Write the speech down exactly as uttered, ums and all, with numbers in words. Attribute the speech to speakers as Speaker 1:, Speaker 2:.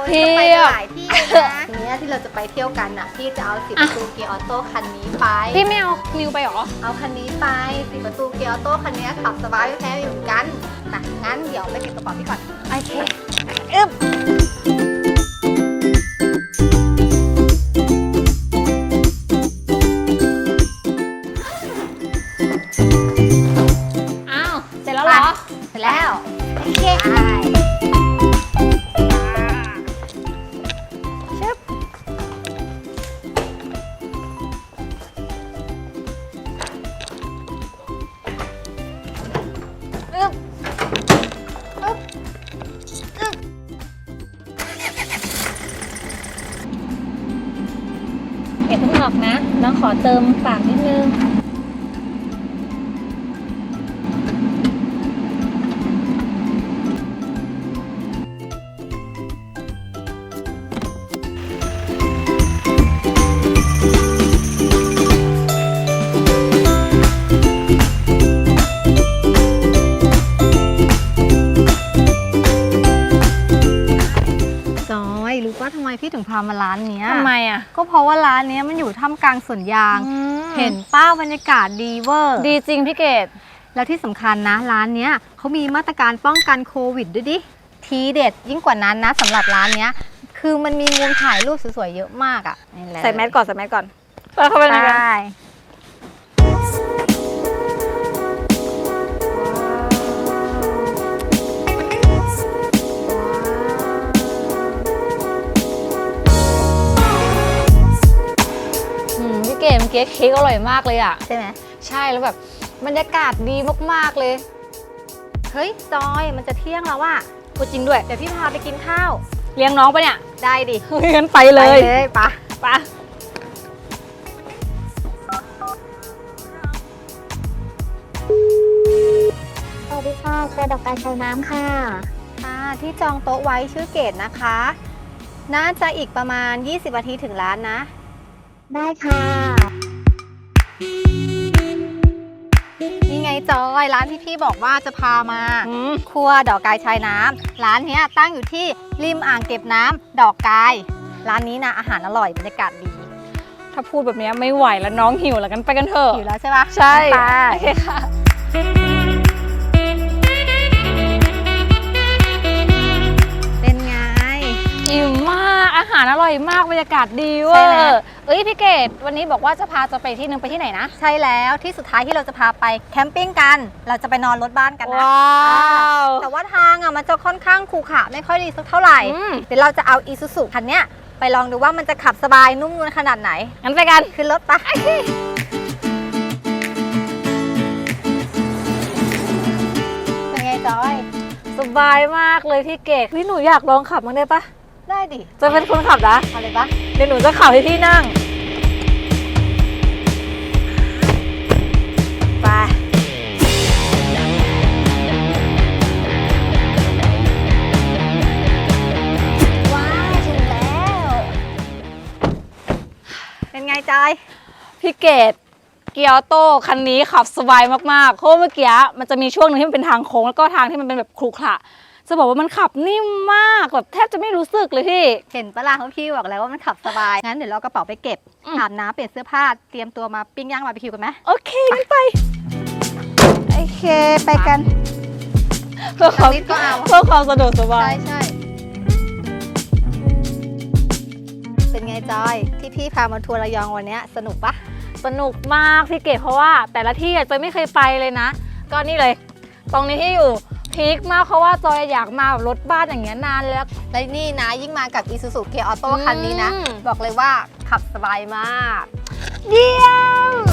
Speaker 1: พี่
Speaker 2: ไปหลายที่นะทีนี้ที่เราจะไปเที่ยวกันอ่ะพี่จะเอาสิบประตูเกียร์ออโต้คันนี้ไป
Speaker 1: พี่ไม่เอามิวไปหรอ
Speaker 2: เอาคันนี้ไปสิบประตูเกียร์ออโต้คันนี้ขับสบายไม่แพ้อยู่เหมือนกันนะงั้นเดี๋ยวไปเก็บกระเป๋าพี่ก่อนโอเคอึ๊บ
Speaker 1: อ้าวเสร็จแล้วเหรอ
Speaker 2: เสร็จแล้วโอเคชึบอึ๊บอึ๊บอึ๊บ
Speaker 1: เอ็ดเพิ่งออกนะน้องขอเติมปากนิดนึง
Speaker 2: จอยรู้ว่าทำไมพี่ถึงพามาร้านเนี้ย
Speaker 1: ทำไมอ่ะ
Speaker 2: ก็เพราะว่าร้านเนี้ยมันอยู่ท่ามกลางสวนยาง เห็นป้าบรรยากาศดีเวอร์
Speaker 1: ดีจริงพี่เกด
Speaker 2: แล้วที่สำคัญนะร้านเนี้ยเขามีมาตรการป้องกันโควิดด้วยดิทีเด็ดยิ่งกว่านั้นนะสำหรับร้านเนี้ยคือมันมีมุมถ่ายรูปสวยๆเยอะมากอ่ะ
Speaker 1: ใส่แมสก่อนใส่แมสก่อนไปเข้าไปในกัน
Speaker 2: ได้
Speaker 1: อืมพี่เกดเมื่อกี้เค้กอร่อยมากเลยอ่ะ
Speaker 2: ใช่ไหม
Speaker 1: ใช่แล้วแบบบรรยากาศดีมากๆเลย
Speaker 2: เฮ้ยจอยมันจะเที่ยงแล้วว่ะ
Speaker 1: พูดจริงด้วย
Speaker 2: เดี๋ยวพี่พาไปกินข้าว
Speaker 1: เลี้ยงน้องปะเนี่ย
Speaker 2: ได้ดิ
Speaker 1: เฮ้ยงั้นไปเลย
Speaker 2: ไปเลยปะ
Speaker 1: ไปะ
Speaker 3: สวัสดีค่ะเจอดอกไม้ชายน้ำค่ะ
Speaker 2: ค่ะที่จองโต๊ะไว้ชื่อเกดนะคะ น่าจะอีกประมาณยี่สิบนาทีถึงร้านนะ
Speaker 3: ได้ค่ะ
Speaker 2: นี่ไงจอยร้านที่พี่บอกว่าจะพามา
Speaker 1: อืม
Speaker 2: ครัวดอกกายชายน้ำร้านเนี้ยตั้งอยู่ที่ริมอ่างเก็บน้ำดอกกายร้านนี้นะอาหารอร่อยบรรยากาศดี
Speaker 1: ถ้าพูดแบบนี้ไม่ไหวแล้วน้องหิวแล้วกันไปกันเถอะ
Speaker 2: อยู่แล้วใช่ปะ
Speaker 1: ใช่
Speaker 2: ไป
Speaker 1: โอเคค่ะ
Speaker 2: เป็นไง
Speaker 1: อิ่มมากอาหารอร่อยมากบรรยากาศดีเว
Speaker 2: ใช่
Speaker 1: อ
Speaker 2: ไหม
Speaker 1: ร์เอ้ยพี่เกดวันนี้บอกว่าจะพาจะไปที่นึงไปที่ไหนนะ
Speaker 2: ใช่แล้วที่สุดท้ายที่เราจะพาไปแคมปิ้งกัน เราจะไปนอนรถบ้านกันนะ
Speaker 1: ว้าว
Speaker 2: แต่ว่าทางอ่ะมันจะค่อนข้างขรุขระไม่ค่อยดีสักเท่าไหร่
Speaker 1: อืม
Speaker 2: เดี๋ยวเราจะเอาอีซูซูคันเนี้ยไปลองดูว่ามันจะขับสบายนุ่มนวลขนาดไหน
Speaker 1: งั้นไปกัน
Speaker 2: ขึ้นรถปะเป็นไงจอย
Speaker 1: สบายมากเลยพี่เกดพี่หนูอยากลองขับมั้างได้ปะ
Speaker 2: ได้ดิ
Speaker 1: จะเป็นคนขับนะ
Speaker 2: เอาเลยปะ
Speaker 1: เดี๋ยวหนูจะขับให้พี่นั่งไป
Speaker 2: ว้าวถึงแล้ว เป็นไงจอย
Speaker 1: พี่เกดเกียร์ออโต้คันนี้ขับสบายมากๆเพราะเมื่อกี้มันจะมีช่วงหนึงที่มันเป็นทางโค้งแล้วก็ทางที่มันเป็นแบบขรุขระจะบอกว่ามันขับนิ่มมากแบบแทบจะไม่รู้สึกเลยพี่
Speaker 2: เห็นปะล่ะเขาพี่บอกแล้วว่ามันขับสบาย งั้นเดี๋ยวเรากระเป๋าไปเก็บ
Speaker 1: อืม
Speaker 2: อาบน้ำเปลี่ยนเสื้อผ้า เตรียมตัวมาปิ้งย่างบาร์บีคิวกันไหม
Speaker 1: โอเคงั้นไป
Speaker 2: โอเค ไปกัน
Speaker 1: เพื่อความ
Speaker 2: นิดก็เอา
Speaker 1: เพื่อความสะดวกสบา
Speaker 2: ใช่
Speaker 1: ย
Speaker 2: ใช่ เป็นไงจอย ที่พี่พามาทัวร์ระยองวันเนี้ยสนุกปะ
Speaker 1: สนุกมากพี่เกดเพราะว่าแต่ละที่จอยไม่เคยไปเลยนะ ก็นี่เลย ตรงนี้ที่อยู่พีคมากเพราะว่าจอยอยากมาแบบรถบ้านอย่างเงี้ยนานแล้ว
Speaker 2: และนี่นะยิ่งมากับ Isuzu Gear Auto
Speaker 1: อืม
Speaker 2: คันนี้นะ บอกเลยว่าขับสบายมาก
Speaker 1: เยี่ยม